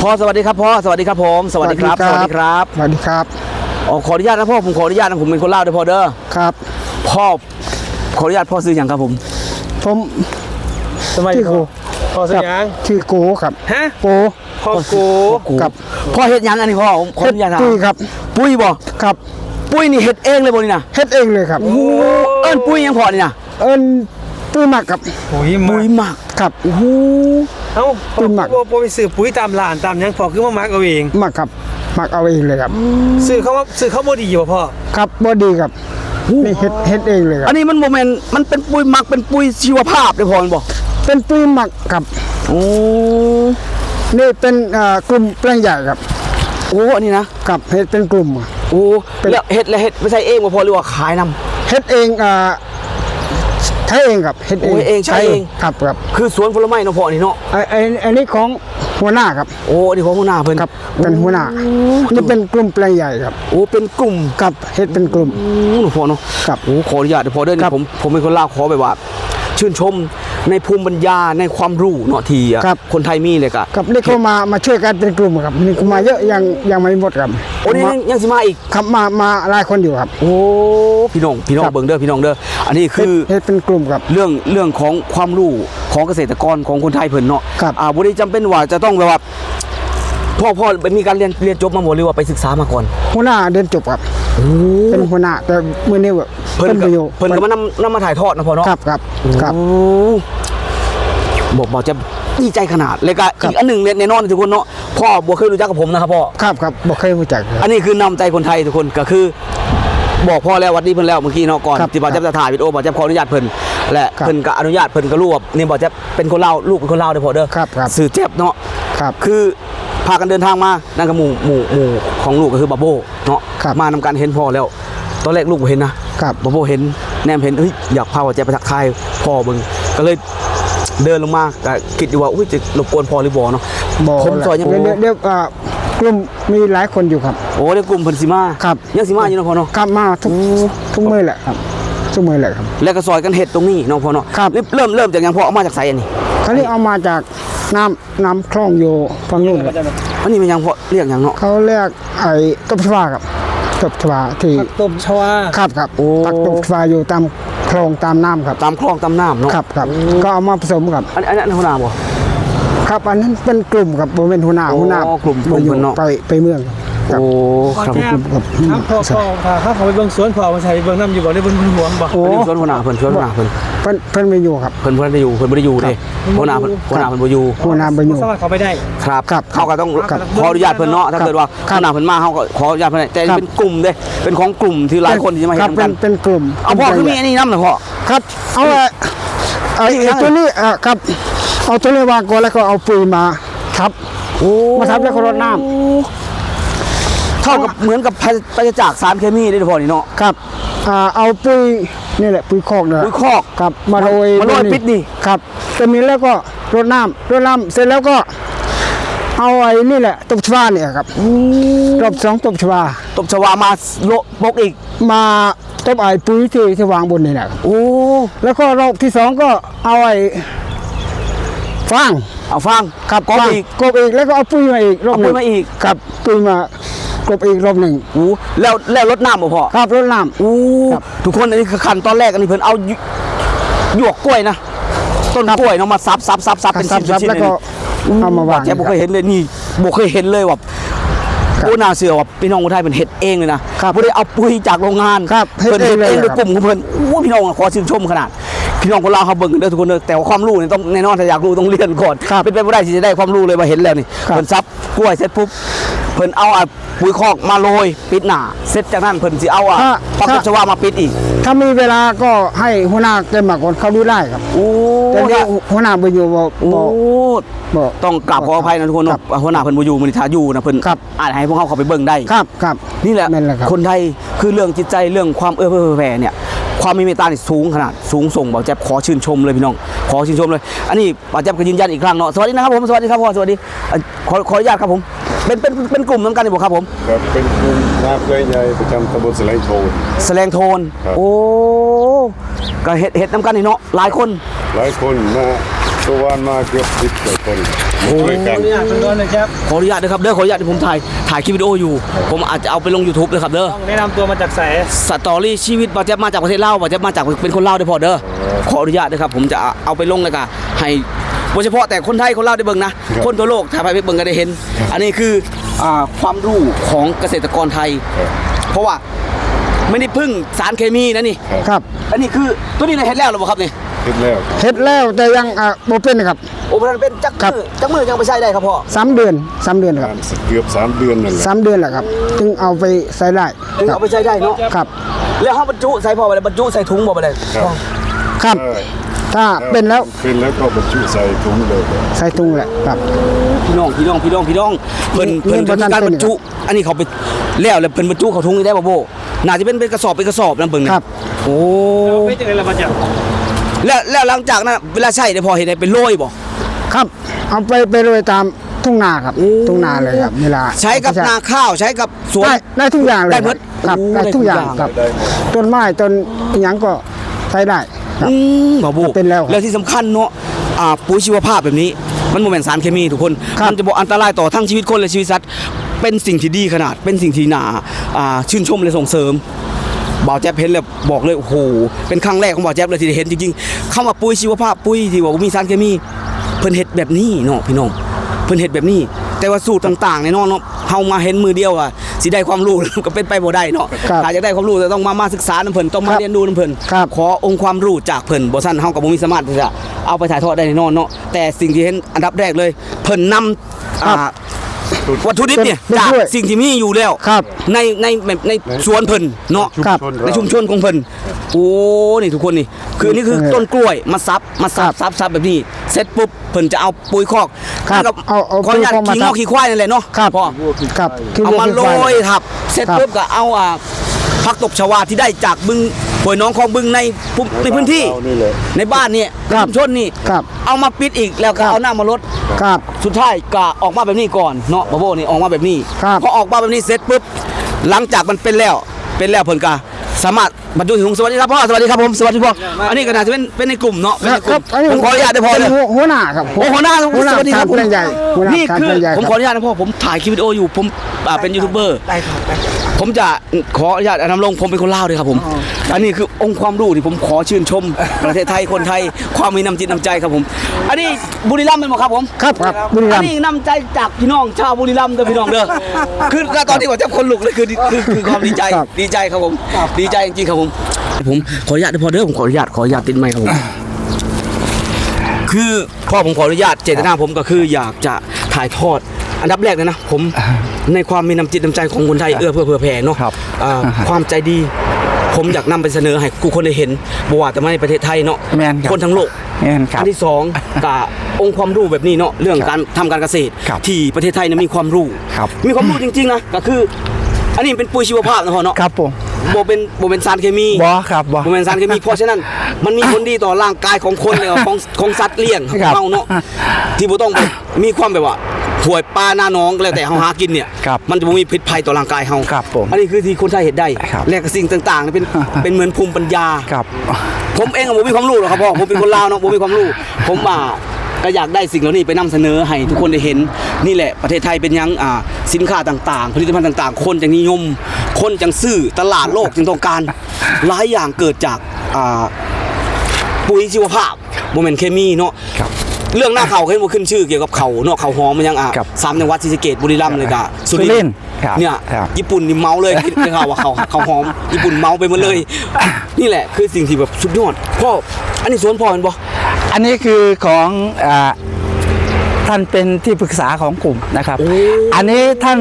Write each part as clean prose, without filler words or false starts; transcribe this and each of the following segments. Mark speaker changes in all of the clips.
Speaker 1: พ่อสวัสดีครับพ่อสวัสดีครับผมสวัสดีครับสวัสดีครับ
Speaker 2: สวัสดีครับ
Speaker 1: ขออนุญาตนะพ่อผมขออนุญาตนะผมเป็นคนเล่าด้วยพ่อเด้อ
Speaker 2: ครับ
Speaker 1: พ่อขออนุญาตพ่อซื้ออย่างครับผม
Speaker 2: ชื่อโก
Speaker 3: พ่อซื้ออย่าง
Speaker 2: ชื่อโกครับ
Speaker 3: ฮะ
Speaker 2: โก
Speaker 3: พ่อโก
Speaker 2: ครับ
Speaker 1: พ่อเฮ็ดยังอันนี้พ่อขออนุญาตถาม
Speaker 2: ปุ้ยครับ
Speaker 1: ปุ้ยบ่
Speaker 2: ครับ
Speaker 1: ปุ้ยนี่เฮ็ดเองเลยบ่นี่นะ
Speaker 2: เฮ็ดเองเลยครับ
Speaker 1: โอ้เอิ้นปุ้ยยังพอนี่นะ
Speaker 2: เอิ้นปุ้ยหมักครับ
Speaker 3: ปุ๋ย
Speaker 1: หมัก
Speaker 2: ครับ
Speaker 1: โอ้โห
Speaker 3: เอ้าปุ๋ยหมักบ่ไปซื้อปุ๋ยตามร้านตามหยังพอคือมาหมักเอาเอง
Speaker 2: หมักครับหมักเอาเองเลยครับ
Speaker 3: ซื้อเขาบ่ดีบ่พ่อ
Speaker 2: ครับบ่ดีครับนี่เฮ็ดเองเลยครับ
Speaker 1: อันนี้มันโมเมนต์มันเป็นปุ้ยหมักเป็นปุ้ยชีวภาพได้พอมันบ่
Speaker 2: เป็นปุ้ยหมักครับ
Speaker 1: โอ้
Speaker 2: นี่เป็นกลุ่มแปลงใหญ่ครับ
Speaker 1: โอ้อันนี้นะครับ
Speaker 2: เฮ็ดเป็นกลุ่ม
Speaker 1: โอ้แล้วเฮ็ดไม่ใช่เองบ่พอหรือว่าขายนำ
Speaker 2: เฮ็ดเองใช้เองครับเฮ็ดเอง
Speaker 1: ใช้เอง
Speaker 2: ครับ
Speaker 1: คือสวนผลไม้เนาะพ่อนี่เนาะ
Speaker 2: อันนี้ของหัวหน้าครับ
Speaker 1: โอ้อันนี้ของหัวหน้าเพิ่น
Speaker 2: ครับเป็นหัวหน้านี่เป็นกลุ่มแปลงใหญ่ครับ
Speaker 1: โอ้เป็นกลุ่ม
Speaker 2: ครับเฮ็ดเป็นกลุ่ม
Speaker 1: หนูพ่อเนาะ
Speaker 2: ครับ
Speaker 1: โอ้ขออนุญาตพอเด้อนี่ผมเป็นคนลาวขอแบบว่าชื่นชมในภูมิปัญญาในความรู้เนาะที่คนไทยมีเลย
Speaker 2: ครับนี่เขามาช่วยกันเป็นกลุ่มครับนี่เขามาเยอะยังไม่หมดครับ
Speaker 1: โอ้นี่ยังสิมาอีก
Speaker 2: ครับมาหลายคนอยู่ครับ
Speaker 1: โอ้พี่น้องเบิ่งเด้อพี่น้องเด้ออันนี้คือ
Speaker 2: เฮ็ดเป็นกลุ่มครับ
Speaker 1: เรื่องของความรู้ของเกษตรกรของคนไทยเพิ่นเนาะ
Speaker 2: ครับ
Speaker 1: บ่ได้จำเป็นว่าจะต้องแบบว่าพ่อมีการเรียนจบมาหมดหรือว่าไปศึกษามาก่อน
Speaker 2: หัวหน้าเรียนจบครับเป็นหัวหน้าแต่มื้อนี้ว่า
Speaker 1: เพิ่นก็มานำมาถ่ายทอดนะพ่อเนาะ
Speaker 2: ครับ
Speaker 1: บอกจะดีใจขนาดเลยก็อีกอันหนึ่งแน่นอนทุกคนเนาะพ่อบ่เคยรู้จักกับผมนะครับพ่อ
Speaker 2: ครับบ่เคยรู้จัก
Speaker 1: อันนี้คือนำใจคนไทยทุกคนก็คือบอกพ่อแล้ววัดนี้เพิ่นแล้วเมื่อกี้เนาะก่อนที่บ่าวจะถ่ายวิดีโอบ่าวจะขออนุญาตเพิ่นและเพิ่นก็อนุญาตเพิ่นก็รู้ว่านี่บ่าวจะเป็นคนลาวลูกเป็นคนลาวเด้อพ่อเด้อสื่อเจ็บเนาะคือพากันเดินทางมานั่นก็หมู่ของลูกก็คือบาโบเนาะมานำการเห็นพ่อแล้วตอนแรกลูกบ่เห็นนะบาโบเห็นแนมเห็นอยากพาว่าจะไปทักทายพ่อเบิ่งก็เลยเดินลงมาก็คิดอยู่ว่าจะรบกวนพ่อหรือบ่เนาะ
Speaker 2: ผมซอยยังเรียกกลุ่มมีหลายคนอยู่ครับ
Speaker 1: โอ้เรียกกลุ่มเพิ่นสิมายังสิมาอยู่เนาะพ่อเนาะ
Speaker 2: ครับมาทุกมื้อแหละครับทุกมื้อแหละครับ
Speaker 1: แล้วก็ซอยกันเฮ็ดตรงนี้เนาะพ่อเนาะเริ่มจากหยังพ่อเอามาจากไสอันนี้
Speaker 2: เขานี่เอามาจากน้ำคลองอยู่ฝั่งนู้นครับ
Speaker 1: อันนี้มันยังพ่อเรียกหยังเนาะ
Speaker 2: เขาเรียกไอ้ตบชวาครับตบชวาที่
Speaker 3: ตบชวา
Speaker 2: ครับโอ้ตบชวาอยู่ตามคลองตามน้ำครับ
Speaker 1: ตามคลองตามน้ำเนาะ
Speaker 2: ครับก็เอามาผสมครับ
Speaker 1: อันนั้นหัวหน้าบ่
Speaker 2: ครับอันนั้นเป็นกลุ่มครับบ่เป็นหัวหน้าก
Speaker 1: ลุ่ม
Speaker 2: เนาะไปเมือง
Speaker 1: โอ้ครับ
Speaker 3: พ่อเขาไปเบิ่งสวนพ่อมาใส่เบิ่งน้ำอยู่บ่ได้เบิ่งห่วงบ่
Speaker 1: โอ้สวนหัวหน้าเพิ่น
Speaker 2: ไม่อยู่ครับ
Speaker 1: เพิ่นบ่ได้อยู่เด้หัวหน้าเพิ่นบ่อยู่
Speaker 3: สามารถเข้าไปได้
Speaker 1: ครับเขาก็ต้องขออนุญาตเพิ่นเนาะถ้าเกิดว่าหัวหน้าเพิ่นมาเฮาก็ขออนุญาตเพิ่นแต่เป็นกลุ่มเด้เป็นของกลุ่มที่หลายคนที่จะมาเฮ็ดกัน
Speaker 2: เป็นกลุ่ม
Speaker 1: เอาพ่อคือมีอันนี้นำเหรอพ่อ
Speaker 2: ครับเอาตัวนี้ครับเอาตัวนี้วางก่อนแล้วก็เอาปุ๋ยมาทับแล้วก็รดน้ำ
Speaker 1: เท่ากับเหมือนกับปฏิจากสารเคมีได้พอนี่เนาะ
Speaker 2: ครับเอาปุ๋ยนี่แหละปุ๋ยคอกเนี่ย
Speaker 1: ปุ๋ยคอก
Speaker 2: ครับมาโรย
Speaker 1: ปิดนี่
Speaker 2: ครับตัวนี้แล้วก็รดน้ำเสร็จแล้วก็เอาไอ้นี่แหละตบชวาเนี่ยครับรอบ2ตบชวา
Speaker 1: มาโลบกอีก
Speaker 2: มาตบไอ้ปุ๋ยที่วางบนนี่แหละ
Speaker 1: โอ้
Speaker 2: แล้วก็รอบที่2ก็เอาไอ้ฟาง
Speaker 1: ครับกบอีก
Speaker 2: แล้วก็เอาปุ๋ยมาอีกรอบนึงครับปุ๋ยมากบอีกรอบหนึ่ง
Speaker 1: แล้วรดน้ำบ่พอ
Speaker 2: ครับรดน้ำ
Speaker 1: ทุกคนอันนี้คือขั้นตอนแรกอันนี้เพิ่นเอาหยวกกล้วยนะต้นกล้วยเนาะมาซับเป็นชิ้น
Speaker 2: แล้วก็เอามาวาง
Speaker 1: แกบ่เคยเห็นเลยนี่บ่เคยเห็นเลยว่าโอ้น่าเชื่อว่าพี่น้องคนไทยเป็นเฮ็ดเองเลยนะบ่ได้เอาปุ๋ยจากโรงงานเพิ่นเฮ็ดเองด้วยกลุ่มของเพิ่นโอ้พี่น้องขอชื่นชมขนาดพี่น้องคนลาวเขาเบิ่งกันเด้อทุกคนเด้อแต่ว่าความรู้นี่ต้องแน่นอนถ้าอยากรู้ต้องเรียนก่อนเป็นไปบ่ได้ที่จะได้ความรู้เลยว่าเห็นแล้วนี่เพิ่นซับกล้วยเสร็จปุ๊บเพิ่นเอาปุ๋ยคอกมาโรยปิดหน้าเสร็จจากนั้นเพิ่นสิเอาปักตบชวามาปิดอีก
Speaker 2: ถ้ามีเวลาก็ให้หัวหน้าแกมาก่อนเขาดูได้ครับแต่เนี่ยหัวหน้าบ่อยู่บ่
Speaker 1: ต้องกราบขออภัยนะทุกคนเนาะหัวหน้าเพิ่นบ่อยู่มื้อนี้ถ้าอยู่นะเพิ่นอาจให้พวกเขาไปเบิ่งได้
Speaker 2: ครับ
Speaker 1: นี่แหละคนไทยคือเรื่องจิตใจเรื่องความเอื้อเฟื้อแผ่เนี่ยความมีเมตตาสูงขนาดสูงส่งบ่าวแจ๊บขอชื่นชมเลยพี่น้องขอชื่นชมเลยอันนี้บ่าวแจ๊บก็ยืนยันอีกครั้งเนาะสวัสดีนะครับผมสวัสดีครับพ่อสวัสดีขออนุญาตครับผมเป็นกลุ่มน้ำกันนี่บ่ครับผม
Speaker 4: เป็นกลุ่มนาเกยใหญ่ประจำตำบลแสลงโทน
Speaker 1: โอ้ก็เฮ็ดน้ำกันนี่เนาะหลายคน
Speaker 4: มาตัววันมาเกือบ10กว่าคนด้วย
Speaker 3: ข
Speaker 4: กั
Speaker 3: อน อนุญาตเพิ่นก่อนนะครับ
Speaker 1: ขออนุญาตนะครับเด้อขออนุญาตที่ผมถ่ายคลิปวิดีโออยู่ ผมอาจจะเอาไปลง YouTube เลยครับเด้อ
Speaker 3: ต้องแนะนำตัวมาจากไส
Speaker 1: สตอรี่ชีวิตบาเจ็บมาจากประเทศลาวบาเจ็บมาจากเป็นคนลาวได้อพอเด้อขออนุญาตนะครับผมจะเอาไปลงเลยค่ะให้โดยเฉพาะแต่คนไทยคนลาวได้เบิ่งนะคนทั่วโลกถ้าไปเบิ่งก็ได้เห็น อันนี้คือความรู้ของเกษตรกรไทย เพราะว่าไม่ได้พึ่งสารเคมีนะนี่
Speaker 2: ครับ
Speaker 1: อันนี้คือตัวนี้ในเฮ็ดแล้วหรือเปล่าครับนี่
Speaker 4: คิดแล้วครับ
Speaker 2: เฮ็ดแล้วแต่ยังบ่เป็นครับ
Speaker 1: โอ้มันเป็นจัก
Speaker 2: ครับ
Speaker 1: มือยังไปใช้ได้ครับพ่อ
Speaker 2: 3 เดือนครับ
Speaker 4: เกือบ3เดือนนั่นแหละ
Speaker 2: 3 เดือนแหละครับจึงเอาไปใส่ได้
Speaker 1: ถึงเอาไปใช้ได้เนาะ
Speaker 2: ครับ
Speaker 1: แล้วเขาบรรจุใส่พ่อไปเลยบรรจุใส่ถุงบ่ไปเลย
Speaker 4: ครับ
Speaker 2: ครับ ถ้าเป็นแล้ว
Speaker 4: เป็นแล้วก็บรรจุใส่ถุงเลย
Speaker 2: ใส่ถุงแหละครับ
Speaker 1: พี่น้องเพิ่นก็มีการบรรจุ อันนี้เขาไปแล้วเพิ่นบรรจุเขาถุงนี่ได้บ่โบน่าจะเป็นกระสอบนะเบิ่งนี่
Speaker 2: ครับ
Speaker 1: โอ้
Speaker 3: เป็นจังได๋ล่ะมาจาก
Speaker 1: แล้วหลังจากนั้นเวลาใช้ได้พอเห็นได้เป็นโรยบ่
Speaker 2: ครับ เอาไปโรยตามทุ่งนาครับ ทุ่งนาเลยครับเวลา
Speaker 1: ใช้กับนาข้าวใช้กับสวน
Speaker 2: ได้ทุกอย่างเลย
Speaker 1: ได้หมด
Speaker 2: ครับ
Speaker 1: โอ้
Speaker 2: ได้ทุกอย่างครับ
Speaker 4: ได้หมด
Speaker 2: ต้นไม้ต้นอิหยังก็ใช้ได้ครับ
Speaker 1: บ่โบ
Speaker 2: เป็นแล้วครับ
Speaker 1: แล้วที่สำคัญเนาะปุ๋ยชีวภาพแบบนี้ มันบ่แม่นสารเคมีทุกคน
Speaker 2: ครับ
Speaker 1: มันจะบ่อันตรายต่อทั้งชีวิตคนและชีวิตสัตว์เป็นสิ่งที่ดีขนาดเป็นสิ่งที่น่าชื่นชมและส่งเสริม บ่าวแจ๊บเห็นแล้วบอกเลยโอ้โหเป็นครั้งแรกของบ่าวแจ๊บเลยที่ได้เห็นจริงๆคำว่าปุ๋ยชีวภาพปุ๋ยที่บอกว่ามีสารเคมีเพิ่นเฮ็ดแบบนี้เนาะพี่น้องเพิ่นเฮ็ดแบบนี้ แต่ว่าสูตรต่างๆในน้องเนาะเฮามาเห็นมือเดียวอ่ะสิได้ความรู้ ก็เป็นไปบ่ได้เนาะ
Speaker 2: ครับ
Speaker 1: ถ้าจะได้ความรู้จะต้องมาศึกษานำเพิ่นต้องมา
Speaker 2: ครับ
Speaker 1: เรียนรู้นำเพิ่น
Speaker 2: ครับ
Speaker 1: ขอองค์ความรู้จากเพิ่นบ่ซั่นเฮาก็บ่มีสามารถที่จะเอาไปถ่ายทอดได้แน่นอนเนาะแต่สิ่งที่เห็นอันดับแรกเลยเพิ่นนำ
Speaker 2: ครับ
Speaker 1: วัตถุดิบเนี่ย
Speaker 2: เป็น
Speaker 1: จาก
Speaker 2: ด้วย
Speaker 1: สิ่งที่มีอยู่แล้ว
Speaker 2: ครับ
Speaker 1: ในสวนเพิ่นเนาะ
Speaker 2: ครับ
Speaker 1: ในชุมชนของเพิ่นโอ้นี่ทุกคนนี่คือนี่คือต้นกล้วยมาซับแบบนี้เสร็จปุ๊บเพิ่นจะเอาปุ๋ยคอก
Speaker 2: ครับ
Speaker 1: กับ
Speaker 2: เอา
Speaker 1: ขออนุญาต
Speaker 2: ปุ๋ยคอกมา
Speaker 1: ขี้งอกขี้ควายนั่นแหละเนาะ
Speaker 2: ครับ
Speaker 1: พ่อ
Speaker 2: ครับคือ
Speaker 1: เอามาโร
Speaker 2: เรี
Speaker 1: ย
Speaker 2: กว่า
Speaker 1: ทับเสร็จ
Speaker 2: ครับ
Speaker 1: ปุ๊บก็เอาผักตบชวาที่ได้จากบึงห้วยน้องของบึงในพื้นที่
Speaker 4: เรานี่แหละ
Speaker 1: ในบ้านเนี่ย
Speaker 2: ครับ
Speaker 1: ชุมชนนี่
Speaker 2: ครับ
Speaker 1: เอามาปิดอีกแล้วก็
Speaker 2: ครับ
Speaker 1: เอาน้ำมาลด
Speaker 2: ครับ
Speaker 1: สุดท้ายก็ออกมาแบบนี้ก่อนเนาะบาโบนี่ออกมาแบบนี้
Speaker 2: ครับ
Speaker 1: พอออกมาแบบนี้เสร็จปุ๊บหลังจากมันเป็นแล้วเพิ่นก็สามารถบรรจุถุงสวัสดีครับพ่อสวัสดีครับผมสวัสดีพ่ออันนี้ก็น่าจะเป็นในกลุ่มเนาะเป็นในก
Speaker 2: ครั
Speaker 1: ลุ่
Speaker 2: บ
Speaker 1: มผมขออนุญาตได้พอเลย
Speaker 2: ป็นหัวหน้าครับ
Speaker 1: โอ้หัวหน้า
Speaker 2: หัวหน้า
Speaker 1: สวัสดีครับ
Speaker 2: การเป็นใหญ่หัวหน้า
Speaker 1: นี่
Speaker 2: การ
Speaker 1: คือ
Speaker 2: เป็นใหญ่
Speaker 1: ผมขออนุญาตนะพ่อผมถ่ายคลิปวิดีโออยู่ผมเป็นยูทูบเบอร์
Speaker 3: ได้ครับได้
Speaker 1: ผมจะขออนุญาตนำลงผมเป็นคนลาวด้วยครับผม อันนี้คือองค์ความรู้ที่ผมขอชื่นชม ประเทศไทยคนไทยความมีน้ำจิตน้ำใจครับผม อันนี้บุรีรัมย์เป็นหมครับผม
Speaker 2: ครับครับบุรีรั
Speaker 1: อั
Speaker 2: ม
Speaker 1: น
Speaker 2: ย์
Speaker 1: นี้น้ำใจจากพี่น้องชาวบุรีรัมย์เด้อพี่น้องเด้อคือตอนที่ผมจะคนลุกเลยคือความดีใจดีใจครับผมดีใจจริงๆครับผมขออนุญาตด้วยพอเด้อผมขออนุญาตติดไมค์ครับผมคือพ่อผมขออนุญาตเจตนาผมก็คืออยากจะถ่ายทอดอันดับแรกเลยนะผมในความมีน้ำจิตน้ำใจของคนไทยเอื้อเพื่อแผ่เนาะความใจดี ผมอยากนำไปเสนอให้ทุกคนได้เห็นบ่ว่าแต่ไม่ในประเทศไทยเนาะ
Speaker 2: แม่นครับ
Speaker 1: คนทั้งโลก
Speaker 2: แม่นครับ
Speaker 1: อันที่สองกับองค์ความรู้แบบนี้เนาะเรื่องการทำการเกษตร
Speaker 2: ครับ
Speaker 1: ที่ประเทศไทยเนี่ยมีความรู้
Speaker 2: ครับ
Speaker 1: มีความรู้จริงๆนะก็คือ อันนี้เป็นปุ๋ยชีวภาพนะพ่อเนาะ
Speaker 2: ครับผม
Speaker 1: โบเป็นสารเคมี
Speaker 2: บ่ครับบ่
Speaker 1: โบเป็นสารเคมีเพราะฉะนั้นมันมีผลดีต่อร่างกายของคนเลยของสัตว์เลี้ยง
Speaker 2: ครับ
Speaker 1: เฮาเนาะที่บ่ต้องไปมีความแบบว่าห่วยปลาหน้าน้องก็แล้วแต่เฮาหากินเนี่ย
Speaker 2: ครับ
Speaker 1: มันจะบ่มีพิษภัยต่อร่างกายเฮา
Speaker 2: ครับผม
Speaker 1: อันนี้คือที่คนไทยเห็นได้
Speaker 2: ครับ
Speaker 1: และก็สิ่งต่างๆเนี่ยเป็นเหมือนภูมิปัญญา
Speaker 2: ครับ
Speaker 1: ผมเองอะผมมีความรู้หรอกครับพ่อผมเป็นคนลาวเนาะผมมีความรู้ ผมก็อยากได้สิ่งเหล่านี้ไปนำเสนอให้ทุกคนได้เห็นนี่แหละประเทศไทยเป็นหยังสินค้าต่างๆ ผลิตภัณฑ์ต่างๆ คนจังนิยม คนจังซื้อตลาดโลกจึงต้องการหลายอย่างเกิดจากปุ๋ยชีวภาพโมเมนต์เคมีเนาะ
Speaker 2: ครับ
Speaker 1: เรื่องหน้าเขาเคยมาขึ้นชื่อเกี่ยวกับเขาเนาะเขาหอมมันยัง
Speaker 2: ครับ
Speaker 1: 3จังหวัดศรีสะเกษบุรีรัมย์เลยกะ
Speaker 2: สุรินทร์ครับ
Speaker 1: เนี่ย
Speaker 2: ครับ
Speaker 1: ญี่ปุ่นนี่เมาเลยคิดข่าวว่าเขาหอมญี่ปุ่นเมาไปหมดเลย นี่แหละคือสิ่งที่แบบสุดยอดพ่ออันนี้สวนพ่อเป็นบ่
Speaker 5: อันนี้คือของท่านเป็นที่ปรึกษาของกลุ่มนะครับ อันนี้ท่าน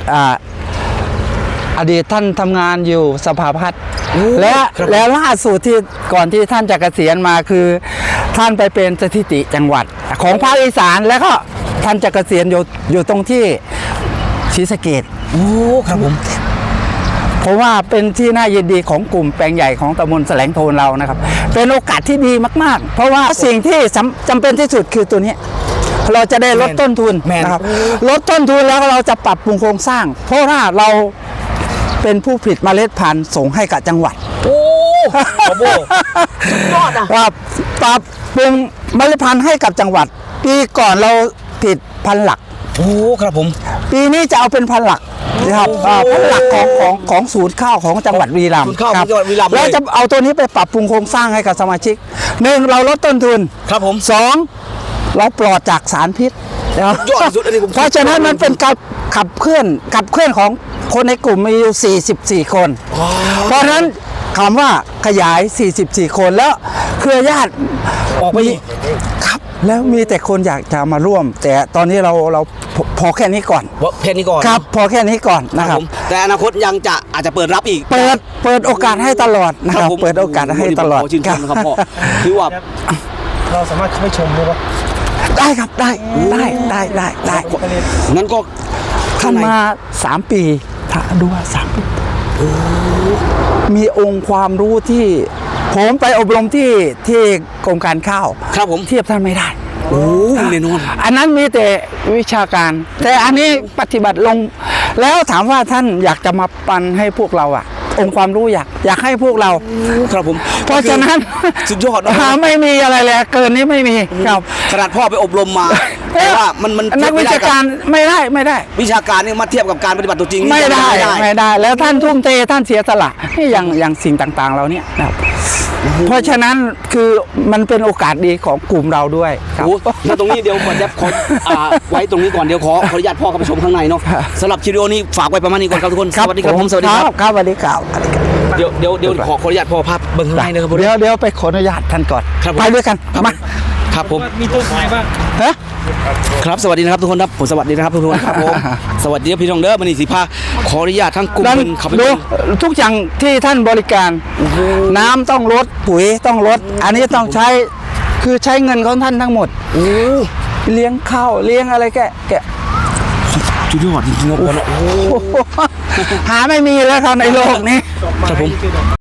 Speaker 5: อดีตท่านทำงานอยู่สภาพัฒน์และล่าสุดที่ก่อนที่ท่านจะเกษียณมาคือท่านไปเป็นสถิติจังหวัดของภาคอีสานแล้วก็ท่านจะเกษียณอยู่ตรงที่ศรีสะเกษ
Speaker 1: โอ้ครับผม
Speaker 5: เพราะว่าเป็นที่น่ายินดีของกลุ่มแปลงใหญ่ของตำบลแสลงโทนเรานะครับ เป็นโอกาสที่ดีมากๆ เพราะว่าสิ่งที่จำเป็นที่สุดคือตัวนี้ เราจะได้ลดต้นทุน
Speaker 1: แม่น
Speaker 5: นะครับลดต้นทุนแล้วเราจะปรับปรุงโครงสร้าง เพราะว่าเราเป็นผู้ผลิตเมล็ดพันธุ์ส่งให้กับจังหวัด
Speaker 1: โอ้โอ้โหสุดยอดอะ
Speaker 5: ครับปรับปรุงเมล็ดพันธุ์ให้กับจังหวัด ปีก่อนเราติดพันธุ์หลัก
Speaker 1: โอ้ครับผม
Speaker 5: ปีนี้จะเอาเป็นพันธุ์หลักนะครับพันธุ์หลักของศูนย์ข้าวของจังหวัดบุรีรัมย์
Speaker 1: ศูนย์ข้าวของ
Speaker 5: ครับ
Speaker 1: จังหวัดบุรีรัมย์เลย
Speaker 5: แล้วจะเอาตัวนี้ไปปรับปรุงโครงสร้างให้กับสมาชิกหนึ่งเราลดต้นทุน
Speaker 1: ครับผม
Speaker 5: สองเราปลอดจากสารพิษนะครับ
Speaker 1: ยอดที่สุดอันนี้ผม
Speaker 5: เพราะฉะนั้นมันเป็นการขับเคลื่อนของคนในกลุ่มมีอยู่44 คน เพราะฉะนั้นคำว่าขยาย 44 คนแล้วเครือญาติ
Speaker 1: ออกไปอีก
Speaker 5: ครับแล้วมีแต่คนอยากจะมาร่วม แต่ตอนนี้เราพอแค่นี้ก่อน
Speaker 1: เพนนี้ก่อน
Speaker 5: ครับพอแค่นี้ก่อนนะ
Speaker 1: ค
Speaker 5: ค
Speaker 1: รั
Speaker 5: รั
Speaker 1: บบ ผมแต่อนาคตยังจะอาจจะเปิดรับอีก
Speaker 5: เปิดโอกาสให้ตลอดนะครับ
Speaker 1: ผม
Speaker 5: เปิดโอกาสให้ตลอด
Speaker 1: ขชื่นชมนะครับพ่อคือว่า
Speaker 3: เราสามารถเข้าไปชมได้ปะ
Speaker 5: ได้ครับได้
Speaker 1: งั้นก็
Speaker 5: ท่านมา 3 ปีถ้าดูว่า3 ปีมีองค์ความรู้ที่ผมไปอบรมที่กรมการข้าว
Speaker 1: ครับผม
Speaker 5: เทียบท่านไม่ได้
Speaker 1: โอ้แน่นอน
Speaker 5: อันนั้นมีแต่วิชาการ แต่อันนี้ปฏิบัติลง แล้วถามว่าท่านอยากจะมาปันให้พวกเราอะองค์ความรู้อยากให้พวกเรา
Speaker 1: ครับผม
Speaker 5: เพราะฉะนั้น
Speaker 1: สุดยอดนะ
Speaker 5: ไม่มีอะไรเลยเกินนี้ไม่มีครับ
Speaker 1: ขนาดพ่อไปอบรมมาแต่ว่ามัน
Speaker 5: นักวิชาการไม่ได้
Speaker 1: วิชาการนี่มาเทียบกับการปฏิบัติตัวจริงนี่
Speaker 5: ไม่ได้
Speaker 1: ไม่ได้
Speaker 5: แล้วท่านทุ่มเทท่านเสียสละให้อย่างสิ่งต่างๆเราเนี่ยนะครับเพราะฉะนั้นคือมันเป็นโอกาสดีของกลุ่มเราด้วยครับ
Speaker 1: โอ้แล้วตรงนี้เดี๋ยวก่อนจะขอไว้ตรงนี้ก่อนเดี๋ยวขออนุญาตพ่อเข้าไปชมข้างในเนาะสำหรับคลิปวิดีโอนี้ฝากไว้ประมาณนี้ก่อนครับทุกคนสวัสดีครับผมสวัสดีครับ
Speaker 5: ครับสวัสดีครับ
Speaker 1: เดี๋ยวขออนุญาตพ่อภาพเบื้องข้างในนะครับผม
Speaker 5: เดี๋ยวไปขออนุญาตท่านก่อน
Speaker 1: ครับผม
Speaker 5: ไปด้วยกันมา
Speaker 1: ครับผม
Speaker 3: มีต้นไม้บ้าง
Speaker 5: ฮะ
Speaker 1: ครับสวัสดีนะครับทุกคนครับผมสวัสดีนะครับทุกคนครับผมสวัสดีครับพี่น้องเด้อมันนี่สิพาขออนุญาตทั้งกลุ่ม
Speaker 5: นั่น
Speaker 1: เพิ่นเขาไป
Speaker 5: ดู
Speaker 1: ดู
Speaker 5: ทุกอย่างที่ท่านบริการ น้ำต้องลดปุ๋ยต้องลด อันนี้ต้องใช้คือใช้เงินของท่านทั้งหมดเลี้ยงข้าวเลี้ยงอะไรแก
Speaker 1: จุดยอดจริงๆครับพ่อเนาะ
Speaker 5: หาไม่มีแล้วครับในโลกนี้
Speaker 1: ครับผม